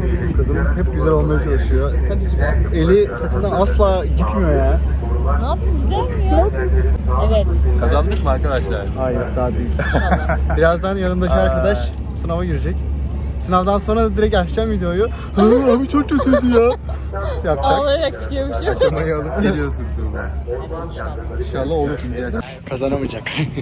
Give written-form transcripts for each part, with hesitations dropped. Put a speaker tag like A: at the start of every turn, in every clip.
A: Kızımız hep güzel olmaya çalışıyor.
B: Tabii ki de.
A: Eli saçından asla gitmiyor ya.
B: Ne yapayım, güzel mi ya? Evet.
C: Kazandık mı arkadaşlar?
A: Hayır, daha değil. Birazdan yanımdaki arkadaş sınava girecek. Sınavdan sonra da direkt açacağım videoyu. Abi çok kötüydü ya. Yapacak.
B: Ağlayarak çıkıyormuş.
C: Aşamayı alıp geliyorsun Tuğba.
A: İnşallah olur.
C: İkinci aşama.
A: Kazanamayacak.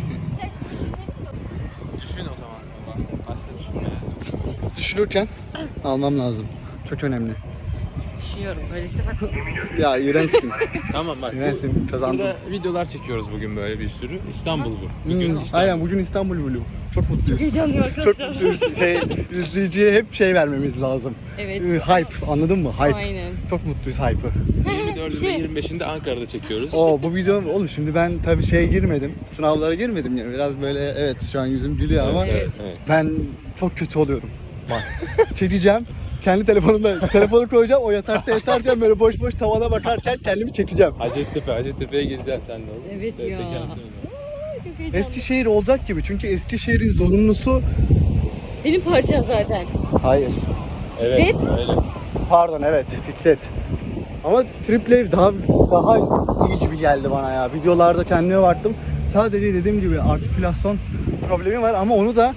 C: Düşün o zaman Tuğba. Başla düşünmeye.
A: Düşünürken almam lazım. Çok önemli.
B: Düşünüyorum. Öyleyse bak.
A: Ya iğrençsin.
C: Tamam bak.
A: İğrençsin. Kazandın.
C: Burada videolar çekiyoruz bugün böyle bir sürü. İstanbul bu. Bugün
A: Hmm,
C: İstanbul.
A: aynen bugün İstanbul Vlog. Çok mutluyuz.
B: Heyecanlıyım arkadaşlar.
A: Çok mutluyuz. İzleyiciye hep vermemiz lazım.
B: Evet.
A: Hype, anladın mı? Hype.
B: Aynen.
A: Çok mutluyuz hype'ı.
C: 24'ünde 25'inde Ankara'da çekiyoruz.
A: Bu video oğlum şimdi ben tabii girmedim. Sınavlara girmedim ya. Biraz böyle evet şu an yüzüm gülüyor ama
C: Evet.
A: ben çok kötü oluyorum. Bak. Çekeceğim. Kendi telefonu koyacağım. O yatarken böyle boş boş tavana bakarken kendimi çekeceğim.
C: Hacettepe'ye gideceksin sen de oğlum.
B: Evet ya.
C: Çekersin onu.
B: Çok heyecanlı.
A: Eskişehir olacak gibi çünkü Eskişehir'in zorunlusu...
B: Senin parçan zaten.
A: Hayır.
C: Evet.
B: Fikret?
C: Öyle.
A: Pardon evet Fikret. Ama Triple daha iyi gibi geldi bana ya. Videolarda kendime baktım. Sadece dediğim gibi artikülasyon problemi var ama onu da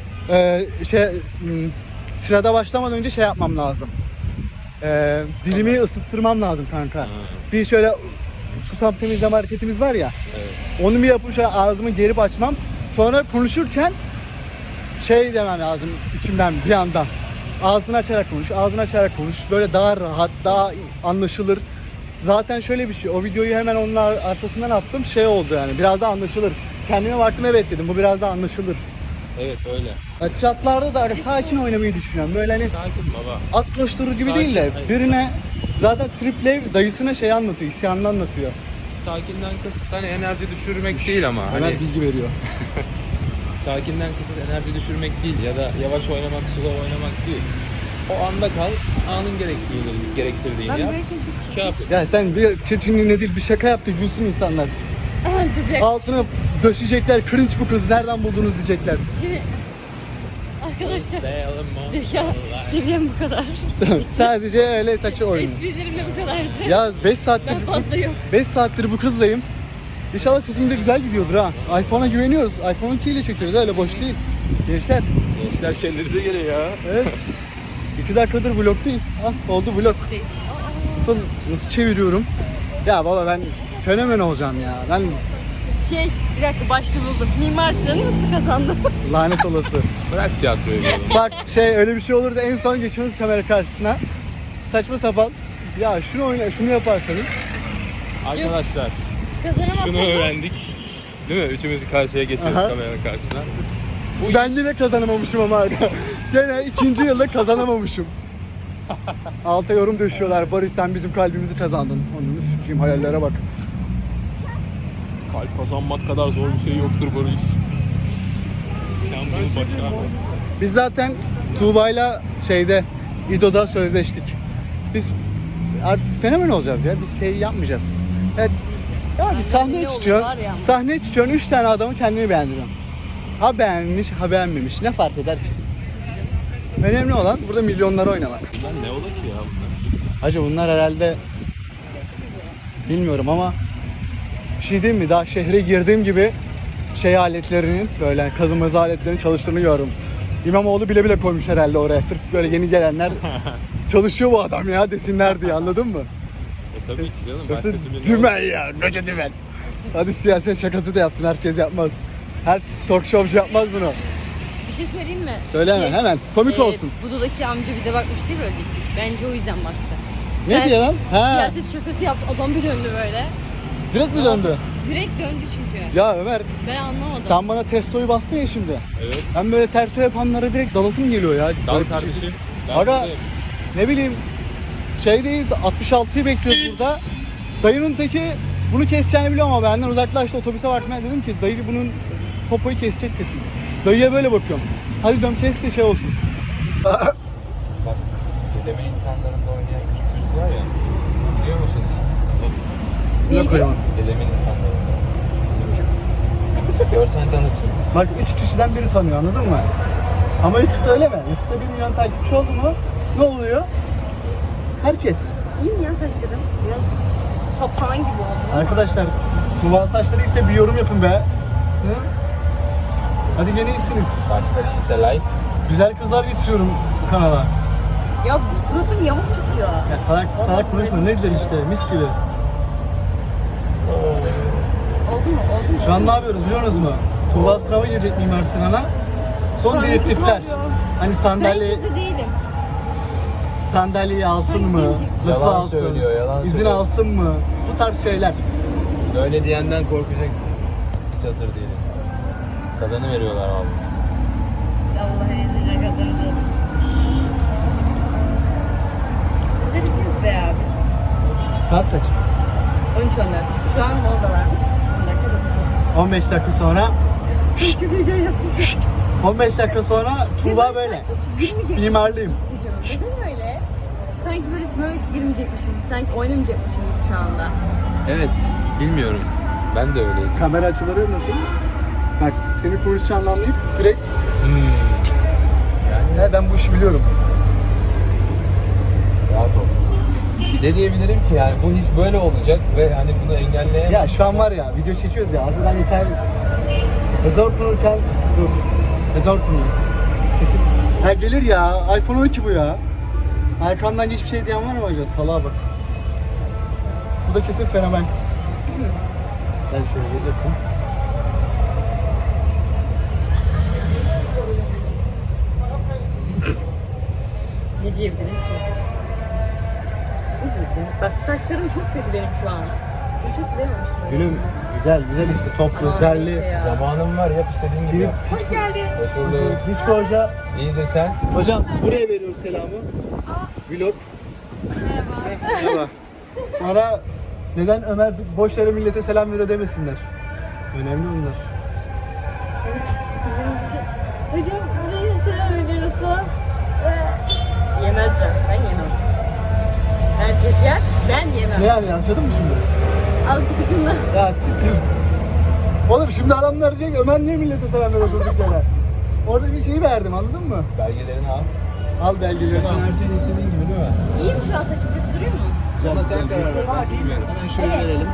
A: sırada başlamadan önce yapmam lazım. Dilimi ısıttırmam lazım kanka. Bir şöyle susam temizleme hareketimiz var ya.
C: Evet.
A: Onu bir yapıp şöyle ağzımı gerip açmam. Sonra konuşurken demem lazım içimden bir yandan. Ağzını açarak konuş, Böyle daha rahat, daha anlaşılır. Zaten şöyle bir şey, o videoyu hemen onun arkasından attım. Oldu yani, biraz daha anlaşılır. Kendime baktım, evet dedim, bu biraz daha anlaşılır.
C: Evet öyle.
A: Tiyatlarda da öyle sakin oynamayı düşünüyorum. Böyle hani
C: Sakin baba.
A: at koşturur gibi
C: Sakin,
A: değil de
C: hayır,
A: birine zaten Triple dayısına anlatıyor, isyanını anlatıyor.
C: Sakinden kasıt hani enerji düşürmek değil ama.
A: Hemen
C: Hani
A: bilgi veriyor.
C: sakinden kasıt enerji düşürmek değil ya da yavaş oynamak, slow oynamak değil. O anda kal, anın gerektirdiğini
B: Ben
C: yap.
B: böyle çok
C: Yap.
A: Ya sen bir çirkinliğine değil bir şaka yaptı, gülsün insanlar.
B: Dur bir dakika.
A: Altına döşecekler, cringe bu kız nereden buldunuz diyecekler.
B: Şimdi... Arkadaşlar.
C: Stay
B: Zeka seviyem bu kadar.
A: Sadece öyle saçı oyunu.
B: Esprilerim de bu kadardı.
A: Ya 5 saattir
B: Daha fazla yok.
A: 5 saattir bu kızlayım. İnşallah sesim de güzel gidiyordur ha. iPhone'a güveniyoruz. iPhone 12 ile çekiyoruz öyle boş değil. Gençler.
C: Gençler kendinize gelin ya.
A: Evet. 2 dakikadır vlogdayız. Oldu vlog. Nasıl çeviriyorum? Ya baba ben fenomen olacağım ya. Ben
B: Bir dakika başta buldum. Mimar Sinan'ı nasıl kazandım?
A: lanet olası.
C: Bırak tiyatroyu diyorum.
A: Bak öyle bir şey olur da en son geçiyoruz kamera karşısına. Saçma sapan. Ya şunu yaparsanız.
C: Arkadaşlar
B: Kazanamazsam
C: şunu öğrendik. Değil mi? Üçümüz karşıya geçiyoruz
A: Aha.
C: kameranın karşısına. Bu
A: Ben de kazanamamışım ama hala. Gene 2. yılda kazanamamışım. Alta yorum döşüyorlar. Barış sen bizim kalbimizi kazandın. Onu sikeyim, hayallere bak.
C: kalp kazanmak kadar zor bir şey yoktur Barış. Sen bunu başar.
A: Biz zaten Tuğba'yla İdo'da sözleştik. Biz artık fenomen olacağız ya. Biz yapmayacağız. Evet. Ya bir sahneye
B: ünlü
A: çıkıyorsun.
B: olurlar ya.
A: Sahneye çıkıyorsun 3 tane adamı kendini beğendiriyorsun. Ha beğenmiş, ha beğenmemiş. Ne fark eder ki? Önemli olan burada milyonlara oynamak.
C: Bunlar ne ola ki ya bunlar?
A: Hacı bunlar herhalde bilmiyorum ama bir şey diyeyim mi? Daha şehre girdiğim gibi aletlerinin böyle kazımaz aletlerinin çalıştığını gördüm. İmamoğlu bile koymuş herhalde oraya. Sırf böyle yeni gelenler çalışıyor bu adam ya desinler diye, anladın mı?
C: Tabii ki canım.
A: Yoksa
C: bahsettiğimiz
A: dümen ya, koca dümen. Hadi siyaset şakası da yaptım, herkes yapmaz. Her talk showcu yapmaz bunu.
B: Bir şey söyleyeyim mi?
A: Söyleme hemen, komik olsun.
B: Budo'daki amca bize bakmış değil mi öyle? Bence o yüzden baktı.
A: Ne diyor lan? Ha,
B: Siyaset şakası yaptı. Adam bir döndü böyle.
A: direkt mi döndü?
B: Direkt döndü çünkü.
A: Ya Ömer,
B: Ben anlamadım.
A: sen bana testoyu bastın ya şimdi.
C: Evet.
A: Ben böyle terso yapanlara direkt dalasım geliyor ya.
C: Dal
A: Böyle bir şey-
C: kardeşim.
A: Aga, ne bileyim, 66'yı bekliyoruz burada. Dayının teki bunu keseceğini biliyor ama benden uzaklaştı, otobüse bakmaya dedim ki dayı bunun popoyu kesecek kesin. Dayıya böyle bakıyorum. Hadi dön kes de olsun.
C: Bak, dedeme insanlarında oynayan küçük çocuk var ya. Biliyor musunuz?
A: Ne koyalım?
C: Dedemin insanlarında. Görsen tanırsın.
A: Bak 3 kişiden biri tanıyor, anladın mı? Ama YouTube'da öyle mi? YouTube'da 1 milyon takipçi oldu mu Ne oluyor? Herkes.
B: İyi mi ya saçlarım? Birazcık papağan gibi oldu.
A: Arkadaşlar Tuğba saçları ise bir yorum yapın be. Hı? Hadi gene iyisiniz.
C: Saçları ise light.
A: Güzel kızlar getiriyorum kanala.
B: Ya bu suratım yamuk çıkıyor.
A: Ya salak konuşma, ne güzel işte, mis gibi.
B: Oldu mu? Oldu mu?
A: Şu an ne yapıyoruz biliyor musunuz mu? Tuğba sınava girecek Mimar Sinan'a. Son
B: Karnım
A: direktifler.
B: çok ağrıyor.
A: Hani
B: Ben hiç
A: sandalye,
B: hazır değilim.
A: sandalyeyi alsın mı? Nasıl
C: Yalan
A: alsın?
C: söylüyor, yalan
A: İzin
C: söylüyor.
A: alsın mı? Bu tarz şeyler.
C: Öyle diyenden korkacaksın. Hiç hazır değilim. Kazanı veriyorlar abi.
B: Allah'ın izniyle kazanacağız. Seveceğiz be abi.
A: Saat kaç?
B: 13-14. Şu an moldalarmış. 10 dakika da
A: 15 dakika sonra,
B: çok heyecan yaptım şu an.
A: 15 dakika sonra Tuğba
B: Ya ben
A: böyle.
B: sanki hiç girmeyecekmişim
A: Mimarlıyım.
B: gibi hissediyorum. Neden öyle? Sanki böyle sınava hiç girmeyecekmişim gibi, sanki oynamayacakmışım gibi şu anda.
C: Evet, bilmiyorum. Ben de öyleydim.
A: Kamera açıları nasıl? Bak seni konuşacağını anlayıp direkt ben bu işi biliyorum.
C: Rahat ol. Ne diyebilirim ki yani bu his böyle olacak ve hani bunu engelleyemem.
A: Ya şu an var ya video çekiyoruz ya arkadan geçer misin? Ezor konurken dur. Ezor konuyor. Sesim. Ha gelir ya iPhone 12 bu ya. Arkamdan hiçbir şey diyen var mı acaba? Salağa bak. Bu da kesin fenomen. Gel şöyle bir yakın.
B: Ne diyebilirim ki? Ne diyebilirim? Bak saçlarım çok kötü benim şu an. Bu çok güzel olmuş.
A: Gülüm güzel işte toplu,
B: Aman
A: derli.
B: neyse ya.
C: Zamanım var, yap istediğin gibi
A: Bir,
C: yap.
B: Hoş geldin.
C: Hoş bulduk.
A: hiç hoca.
C: İyi de sen.
A: Hocam buraya veriyoruz selamı. Vlog.
B: Merhaba.
A: Merhaba. Sonra neden Ömer boş yere millete selam veriyor demesinler. Önemli bunlar.
B: Hocam buraya selam veriyoruz falan. Yemezler. Ben yemem. Herkes yer. Ben yemem.
A: Ne yani anladın mı şimdi?
B: Azıcık ucunda.
A: Ya siktir. Oğlum şimdi adamlar diyecek Ömer niye millete selam veriyor durduk yere? Orada bir şeyi verdim anladın mı?
C: Belgelerini al.
A: Al belgeleri
C: Sen
A: al.
C: her şeyi istediğin gibi değil mi?
B: İyi mi şu an saçım kötü duruyor mu?
C: Ama sen
A: Güzel,
C: karar
A: güzel.
C: ver. Ben bilmiyorum.
A: Hemen şöyle verelim.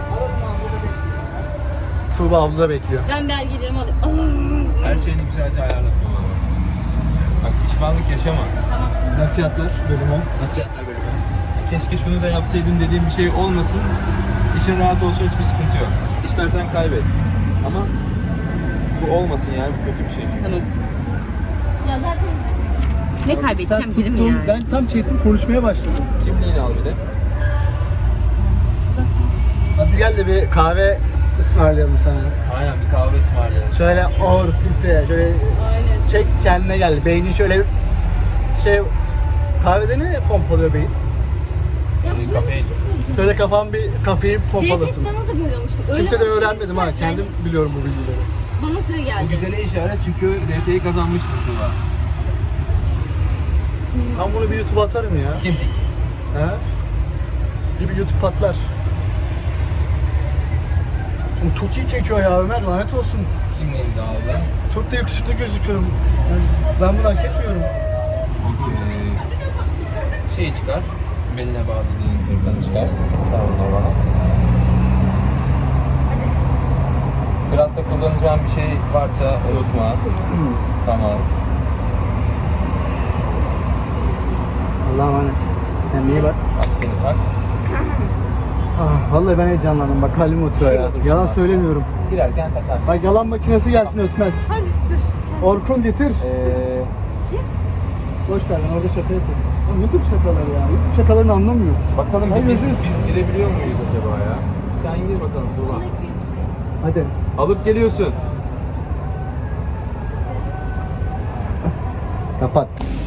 A: Tuğba abla da bekliyor.
B: Ben belgelerimi alayım.
C: Her şeyini güzelce ayarlatıyorlar. Bak pişmanlık yaşama.
A: Nasihatler bölümü. Nasihatler bölümü.
C: Keşke şunu da yapsaydın dediğim bir şey olmasın. İşin rahat olsun, hiçbir sıkıntı yok. İstersen kaybet. Ama bu olmasın yani, bu kötü bir şey çünkü.
B: Tamam. Ya zaten ne kaybedeceğim
A: Sen
B: bilim
A: tuttun,
B: yani.
A: ben tam çektim konuşmaya başladım.
C: Kimliğini al bir de.
A: Hadi gel de bir kahve ısmarlayalım sana.
C: Aynen, bir kahve ısmarlayalım.
A: Şöyle ağır filtre, şöyle
B: Aynen.
A: çek kendine gel. Beyni şöyle şey kahvede ne pompalıyor beyin?
B: Ya bu
C: Kafein.
A: Şöyle kafam bir kafein
B: DT
A: pompalasın.
B: sınavı da böyle olmuştu. Öyle
A: Kimseden
B: başladı.
A: öğrenmedim ha.
B: Yani
A: Kendim biliyorum bu bilgileri.
B: Bana sıra geldi.
C: Bu güzele işaret çünkü DT'yi kazanmıştır Tuğba.
A: Ben bunu bir YouTube'a atarım ya.
C: Kimlik.
A: He? Bir YouTube patlar. Oğlum çok iyi çekiyor ya Ömer, lanet olsun.
C: Kimliğini de aldı.
A: Çok da yakışıklı gözüküyorum. Ben bunu hak etmiyorum.
C: Şeyi çıkar. Beline bağladığın hırkanı çıkar. Tamam bana. Fırat'ta kullanacağım bir şey varsa unutma. Tamam.
A: Allah'a emanet. Kendine iyi bak.
C: Maskeni tak.
A: Ah, vallahi ben heyecanlandım. Bak kalbim oturuyor ya.
C: Şurada dursun
A: Yalan
C: maske.
A: söylemiyorum.
C: Girerken takarsın.
A: Bak yalan makinesi gelsin ötmez.
B: Hadi görüşürüz.
A: Orkun getir. Boş ver ben orada şaka yapıyorum. Oğlum YouTube şakaları ya. YouTube şakalarını anlamıyorum.
C: Bakalım
A: Hayır,
C: biz
A: özür-
C: girebiliyor muyuz acaba ya? Sen gir bakalım Tuğba.
A: Hadi.
C: Alıp geliyorsun.
A: Kapat.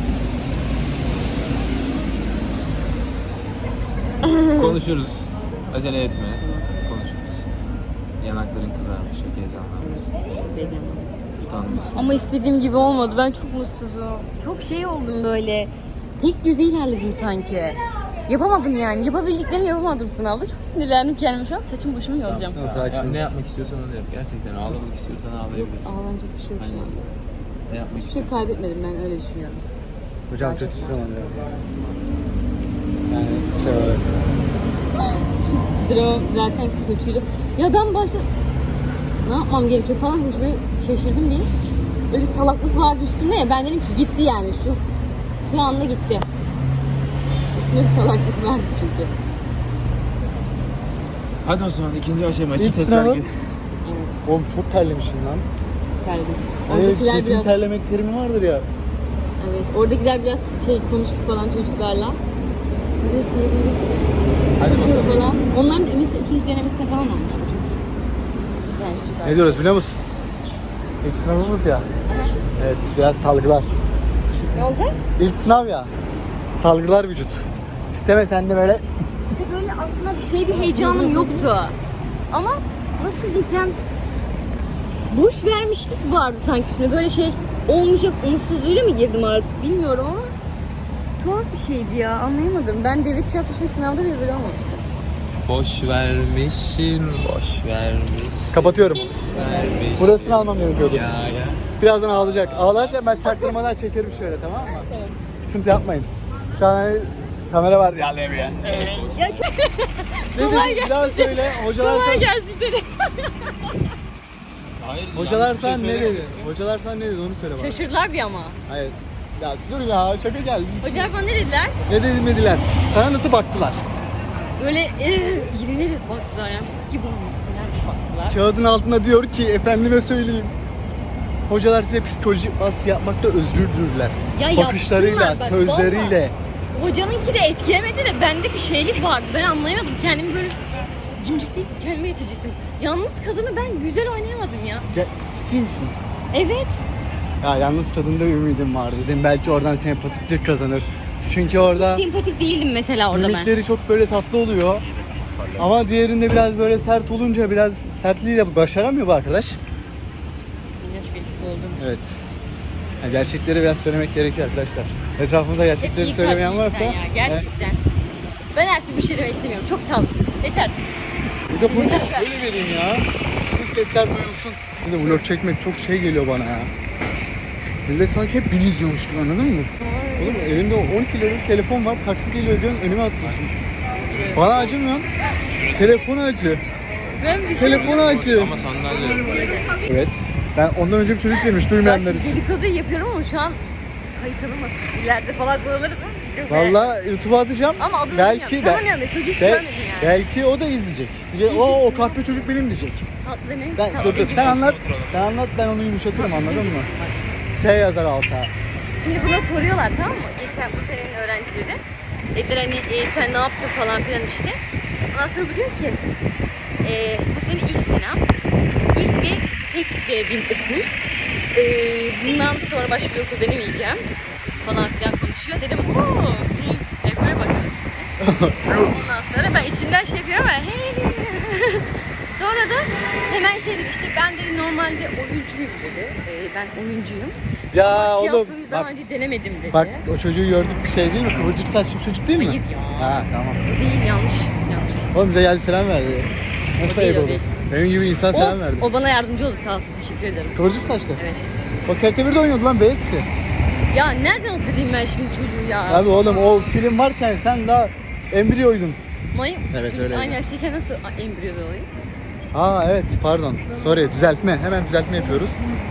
C: Konuşuruz. Acele etme. Konuşuruz. Yanakların kızarmış, çok heyecanlanmışsın.
B: Heyecanlandım.
C: Utanmışsın.
B: Ama istediğim gibi olmadı. Ben çok mutsuzum. Çok şey oldum böyle. Tek düzey ilerledim sanki. Yapamadım yani. Yapabildiklerimi yapamadım sınavda. Çok sinirlendim kendime şu an. Saçım başımı yolacağım.
A: Tamam,
C: Ya,
A: sakin.
C: ne yapmak istiyorsan onu yap. Gerçekten ağlamak istiyorsan ağlayabilirsin.
B: Ağlanacak bir şey yok şu
C: Aynen.
B: anda.
C: Ne yapmak
B: Hiçbir şey
C: istiyorsan.
B: kaybetmedim, ben öyle düşünüyorum.
A: Hocam
B: Daha çok
A: kötü ama ya. Yani şey olarak.
B: Drone zaten kötüydü. Ya ben başta ne yapmam gerekiyor falan hiç böyle şaşırdım diye. Böyle bir salaklık vardı üstümde ya, ben dedim ki gitti yani şu anda gitti. Üstümde bir salaklık vardı çünkü.
C: Hadi o zaman ikinci aşama için
A: İlk
C: tekrar
A: sınavı.
C: gir.
B: Evet,
A: Oğlum çok terlemişim lan.
B: terledim.
A: Evet,
B: Oradakiler
A: kötü
B: biraz,
A: terlemek terimi vardır ya.
B: evet, oradakiler biraz konuştuk falan çocuklarla. Bilirsin, yapabilirsin.
C: Hadi bakalım.
B: Falan. Onların mesela 3. denemesine falan olmuş çünkü. Yani çocuklar.
A: Ne diyoruz biliyor musun? İlk sınavımız ya. Evet, biraz salgılar.
B: Ne oldu?
A: İlk sınav ya. Salgılar vücut. İstemesen de böyle
B: Bir de böyle aslında bir heyecanım yoktu. Ama nasıl desem boş vermiştik vardı sanki üstüne, böyle olmayacak umutsuzluğuyla mı girdim artık bilmiyorum ama tuhaf bir şeydi ya, anlayamadım. Ben devlet tiyatrosundaki sınavda bile böyle olmamıştım.
C: Boş vermişim, boş vermiş.
A: kapatıyorum.
C: Vermiş.
A: Burasını almam gerekiyordu.
C: Ya.
A: Birazdan ağlayacak. Ağlarken ben çaktırmadan çekerim şöyle, tamam mı?
B: Evet.
A: Sıkıntı yapmayın. Şu an hani kamera var ya.
B: Ya çok
A: Ne dedin? Bir daha söyle. Hocalar
B: kolay
A: sana,
B: gelsin dedi.
C: Hayır,
A: hocalar
C: yanlış bir
A: sana
C: şey
A: ne dedi?
C: söylememişsin.
A: Hocalar sana ne dedi onu söyle bana.
B: Şaşırdılar bir ama.
A: Hayır. Ya dur ya, şaka geldi.
B: Hocalar bana ne dediler?
A: Ne dediler? Sana nasıl baktılar?
B: Böyle yine ne baktılar yani. Gibi olmuşsun yani baktılar.
A: Kağıdın altında diyor ki efendime söyleyeyim. Hocalar size psikolojik baskı yapmakta özgürdürler.
B: Ya
A: Bakışlarıyla,
B: yapsınlar bak,
A: sözleriyle.
B: Hocanınki de etkilemedi de bende bir şeylik vardı. Ben anlayamadım. Kendimi böyle cimcikleyip kendime getirecektim. Yalnız kadını ben güzel oynayamadım ya.
A: Ciddi misin?
B: Evet.
A: Ya yalnız kadında ümidim var dedim. Belki oradan sempatiklik kazanır. Çünkü orada
B: Sempatik değildim mesela orada ben.
A: mimikleri çok böyle tatlı oluyor. Ama diğerinde biraz böyle sert olunca biraz sertliğiyle başaramıyor bu arkadaş.
B: Yaş belirtisi oldum.
A: Evet. Yani gerçekleri biraz söylemek gerekiyor arkadaşlar. Etrafımızda gerçekleri
B: İyi
A: söylemeyen
B: kalpliyim
A: varsa
B: sen ya, gerçekten. Ben artık bir şey demek istemiyorum. Çok sağ olun. Yeter.
A: bir de bunu şöyle vereyim ya. Bütün sesler duyulsun. Bir de vlog çekmek çok şey geliyor bana ya. Millet sanki hep beni izliyormuş gibi, anladın mı? Oğlum elimde 12 liralık telefon var. Taksi geliyor diyorsun, önüme atlıyorsun. Bana acımıyorsun. Telefonu acı.
B: Ben bir
A: Telefonu acı.
C: Ama sandalye.
A: Evet. Ben ondan önce bir çocuk demiş duymayanlar
B: şimdi
A: için.
B: dedikodu yapıyorum ama şu an kayıt alınmasın. İleride falan kullanırız. Çok
A: Vallahi YouTube'a atacağım.
B: Ama adını
A: Belki
B: bilmiyorum. Tanımıyorum da çocuk şu an dedim yani.
A: belki o da izleyecek. Diyecek, o kahpe çocuk benim diyecek.
B: Tatlı demeyin.
A: Ben,
B: Tamam,
A: dur
B: önce
A: sen
B: bir-
A: anlat. Sen anlat, ben onu yumuşatırım, anladın mı? Şey yazar alta.
B: Şimdi buna soruyorlar, tamam mı? Geçen bu senenin öğrencileri. Dediler hani sen ne yaptın falan filan işte. Ondan sonra bu diyor ki bu sene ilk senem. İlk bir tek denediğim okul. Bundan sonra başka bir okul denemeyeceğim falan filan konuşuyor. Dedim ooo böyle bakıyoruz. Ondan sonra ben içimden şey yapıyorum ama sonra da hemen şey dedi, işte ben dedi normalde oyuncuyum dedi. Ben oyuncuyum.
A: Ya
B: Ama
A: oğlum
B: tiyatroyu daha
A: bak,
B: önce denemedim dedi.
A: bak o çocuğu gördük, bir şey değil mi? Kıvırcık saçlı bir çocuk değil mi?
B: Hayır ya.
A: Ha tamam.
B: O değil, yanlış.
A: Oğlum bize geldi selam verdi. Nasıl
B: O değil,
A: ayıp
B: o
A: olur?
B: değil.
A: Benim gibi insan selam verdi.
B: O bana yardımcı oldu, sağ olsun, teşekkür ederim.
A: Kıvırcık saçlı.
B: Evet.
A: O TRT1'de oynuyordu lan, Beylik'ti.
B: Ya nereden hatırlayayım ben şimdi çocuğu ya?
A: Abi oğlum o film varken sen daha embriyoydun.
B: Manyak mısın?
A: Evet,
B: Çocuk
A: öyleydi.
B: aynı yaştayken nasıl embriyoda olayım?
A: Aa evet, pardon. Sorry, düzeltme. Hemen düzeltme yapıyoruz.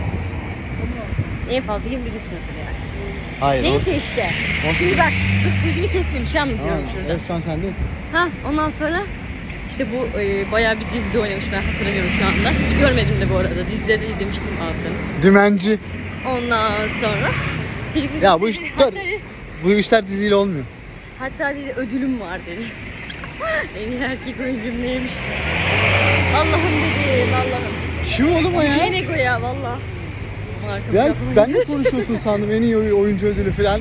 B: En fazla 21 yaşındadır yani.
A: Hayır.
B: Neyse işte. Şimdi bak, dur sözümü kesmeyeyim, bir şey anlatıyorum şurada.
A: Evet, şu an sende.
B: Ha, ondan sonra işte bu bayağı bir dizide oynamış, ben hatırlamıyorum şu anda. Hiç görmedim de bu arada. Dizileri de izlemiştim altını.
A: Dümenci.
B: Ondan sonra çocuk dedi,
A: Ya bu
B: işte,
A: işler,
B: hatta dedi,
A: bu işler diziyle olmuyor.
B: hatta dedi ödülüm var dedi. En iyi erkek oyuncum neymiş? Allah'ım dedim, Allah'ım.
A: Kim oğlum o ya?
B: Niye nego ya valla.
A: Ya ben de konuşuyorsun sandım, en iyi oyuncu ödülü falan.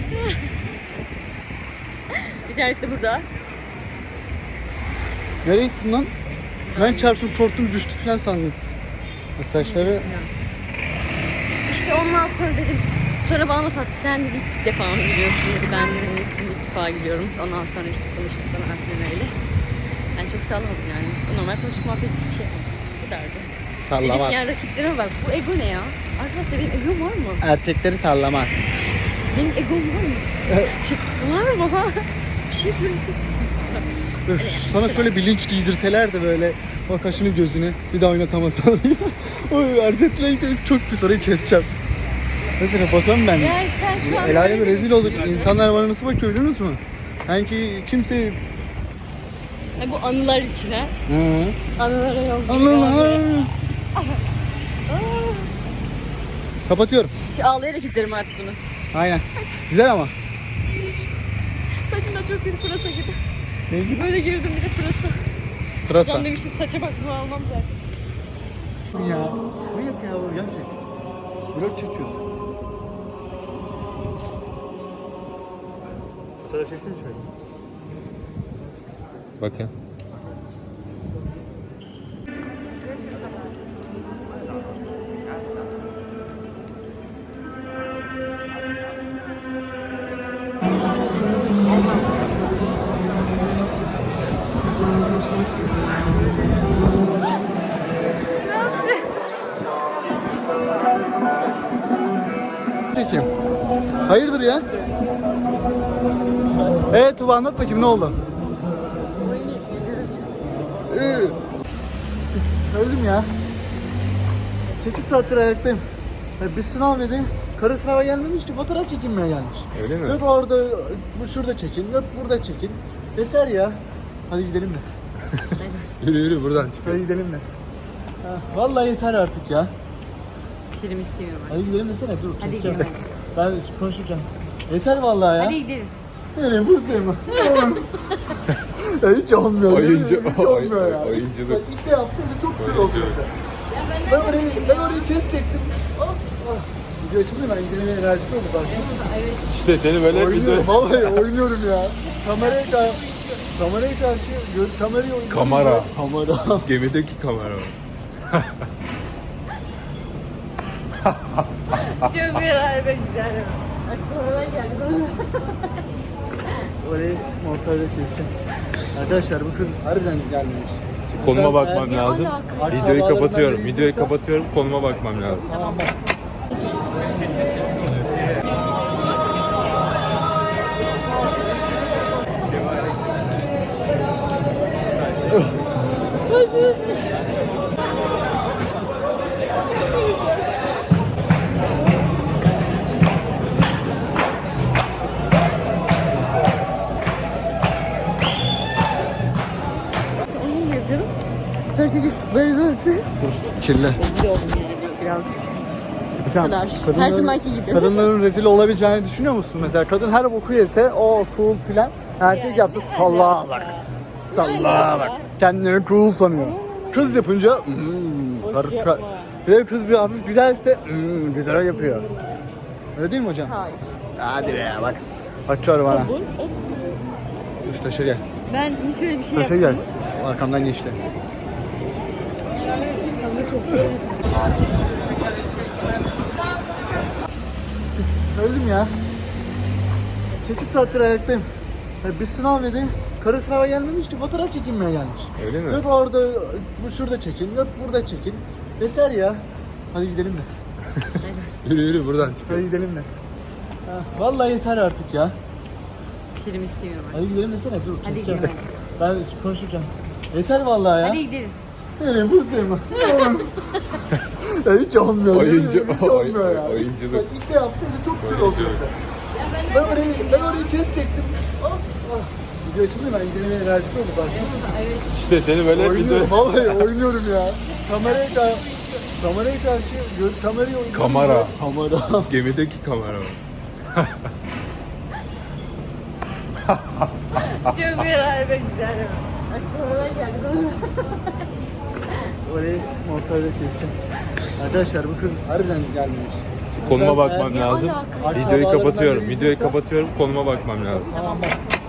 B: Bir tanesi de burada.
A: Nereye gittin lan? Ben çarptım, korktum, düştü falan sandım. Saçları...
B: İşte ondan sonra dedim, sonra bana laf attı, sen dedi ilk defa mı gidiyorsun dedi, ben de ilk defa gidiyorum. Ondan sonra işte konuştuk bana aklına öyle. Ben çok sallamadım yani. Normal konuştuk, muhabbet bir şey. Bu kadardı.
A: Sallamaz.
B: Dedim yani rakiplerime bak, bu ego ne ya? Arkadaşlar benim egom var mı?
A: Erkekleri sallamaz.
B: Benim egom var mı? Var mı? Bir şey söylesene.
A: Öf, sana şöyle bir linç giydirseler de böyle o kaşını gözünü bir daha oynatamasan. Oy hareketle çok pis orayı keseceğim. Neyse kapatalım ben.
B: Yani sen şu an...
A: El aleme rezil olduk. İnsanlar bana nasıl bakıyor biliyor musun? Sanki kimse...
B: Ha, bu anılar için ha.
A: Hı.
B: Anılara yolculuk.
A: Anılar. Kapatıyorum.
B: Şu ağlayarak izlerim artık bunu.
A: Aynen. Güzel ama.
B: Saçımda çok bir pırasa gibi.
A: Ne gibi?
B: Böyle girdim bir de pırasa.
A: Pırasa.
B: Ulan demiştim saça bak bunu almam zaten.
A: Ya. Ne yap ya? Yan çek. Vlog çekiyoruz. Fotoğraf çeksene şöyle.
C: Bakın.
A: Çekeyim. Hayırdır ya? Evet Tuba anlat bakayım ne oldu? Öldüm ya. 8 saattir ayaktayım. Bir sınav dedi. Karı sınava gelmemiş ki fotoğraf çekinmeye gelmiş.
C: Öyle mi?
A: Yok orada, bu şurada çekin, yok burada çekin. Yeter ya. Hadi gidelim de.
C: Yürü yürü buradan çık.
A: Hadi gidelim de. Ha, vallahi yeter artık ya.
B: Film istemiyorum artık.
A: Hadi gidelim desene dur.
B: Hadi
A: keseceğim.
B: gidelim.
A: Ben konuşacağım. Yeter vallahi ya.
B: Hadi gidelim.
A: Nereye buradayım mı? Ya hiç olmuyor.
C: Oyuncu-
A: Hiç olmuyor ya.
C: oyunculuk.
A: Bak ilk de yapsaydı çok güzel olurdu. Ben orayı kesecektim. Video açıldı ben gidelim enerjisi oldu bak.
C: İşte seni böyle
A: Oynuyorum vallahi oynuyorum ya. Kameraya karşı kamerayı oynuyorum.
C: Kamera.
A: Kamera.
C: Gemideki kamera.
B: Çok merak güzel. Bak sonradan geldi.
A: Orayı montajda keseceğim. Arkadaşlar bu kız harbiden gelmemiş.
C: Konuma bakmam
A: Eğer-
C: lazım.
B: alaka?
C: Videoyu kapatıyorum.
A: Videoyu
C: Videoyu kapatıyorum. Konuma bakmam lazım.
A: Tamam bak.
B: Onu yapıyorum. Sonra çocuk böyle böyle.
A: Kirli.
B: Rezil oldum birazcık.
A: Hocam,
B: kadar. Her zamanki gibi.
A: Kadınların rezil olabileceğini düşünüyor musun? Mesela kadın her boku yese o cool filan. Erkek yapsa sallağa bak. Sallağa bak. Kendini cool sanıyor. Kız yapınca bir de kız bir hafif güzelse güzel yapıyor. Öyle değil mi hocam?
B: Hayır.
A: Hadi be ya bak. Bakıyor bana.
B: Kabul et.
A: Üf taşı gel.
B: Ben hiç öyle bir şey
A: Taşı
B: yapmadım.
A: gel. Arkamdan geçti. Öldüm ya. 8 saattir ayaktayım. Bir sınav dedi. Karı sınava gelmemiş ki fotoğraf çekinmeye gelmiş.
C: Öyle mi?
A: Yok orada, bu şurada çekin, yok burada çekin. Yeter ya. Hadi gidelim de.
C: Yürü yürü buradan çık.
A: Hadi gidelim de. Ha, vallahi yeter artık ya.
B: Film istemiyorum artık.
A: Hadi gidelim desene dur.
B: Hadi
A: Keseceğim.
B: gidelim.
A: Ben konuşacağım. Yeter vallahi ya.
B: Hadi gidelim.
A: Nereye buradayım mı? Ya hiç olmuyor. Hiç olmuyor ya.
C: Oyunculuk.
A: Bak ilk de yapsaydı çok güzel olurdu. Ben orayı kesecektim. Video açıldı ben gidelim enerjisi oldu bak.
C: İşte seni böyle
A: Oynuyorum vallahi oynuyorum ya. Kameraya karşı kamerayı oynuyorum.
C: Kamera.
A: Kamera.
C: Gemideki kamera.
B: Çok merak güzel. Bak sonradan geldi.
A: Orayı montajda keseceğim. Arkadaşlar bu kız harbiden gelmemiş.
C: Konuma
A: Ben-
C: bakmam
A: eğer-
C: lazım.
B: alaka?
C: Videoyu
A: Akrabalarından
C: kapatıyorum.
A: biri
C: Videoyu
A: izliyorsa-
C: kapatıyorum. Konuma bakmam lazım.
A: Tamam bak.